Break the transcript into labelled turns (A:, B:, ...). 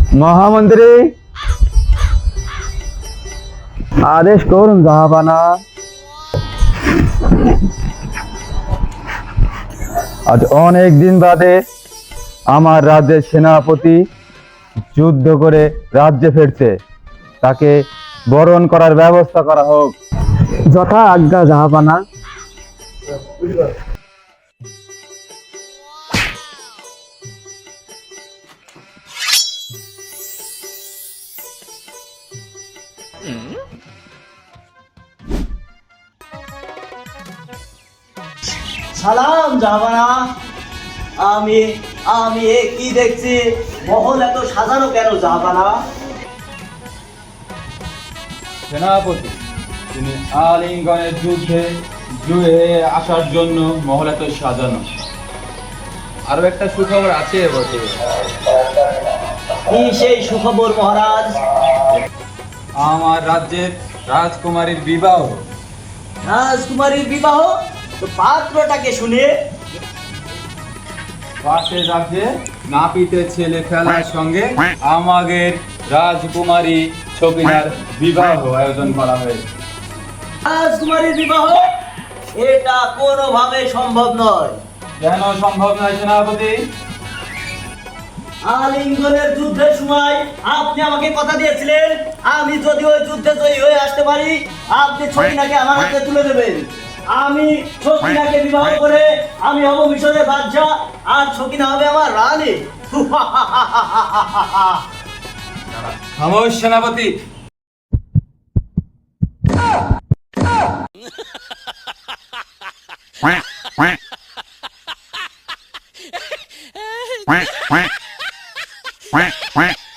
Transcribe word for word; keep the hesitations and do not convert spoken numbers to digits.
A: মহামন্ত্রী, আদেশ করুন জাহাপানা। আজ অনেক দিন বাদে আমার রাজ্যের সেনাপতি যুদ্ধ করে রাজ্যে ফিরছে, তাকে বরণ করার ব্যবস্থা করা হোক। যথা আজ্ঞা জাহাপানা।
B: সালাম জাহাপানা। আমি আমি এ কি দেখছি, মহল এত সাজানো কেন জাহাপানা?
C: সেনাপতি, তিনি আলিঙ্গনের যুদ্ধে জুয়ে আসার জন্য মহল এত সাজানো। আরো একটা সুখবর আছে বটে।
B: কি সেই সুখবর মহারাজ?
C: আমার রাজ্যের রাজকুমারীর বিবাহ।
B: রাজকুমারীর বিবাহ? তো পাত্রটাকে শুনে
C: পাশের রাজ্যে নাপিতের ছেলে খেলার সঙ্গে আমাদের রাজকুমারী ছবিনার বিবাহ আয়োজন করা হয়েছে।
B: রাজকুমারীর বিবাহ? এটা কোনোভাবে সম্ভব নয়।
C: কেন সম্ভব নয় সেনাপতি?
B: আলিঙ্গনের যুদ্ধের সময় আপনি আমাকে কথা দিয়েছিলেন, আমি যদি ওই যুদ্ধে জয়ী হয়ে আসতে পারি আপনি ছকিনাকে আমার হাতে তুলে দেবেন। আমি ছকিনাকে বিবাহ করে আমি হব মিশরের বাদশা, আর ছকিনা হবে আমার রানী।
C: খামোশ সেনাপতি।
D: quack quack quack quack quack quack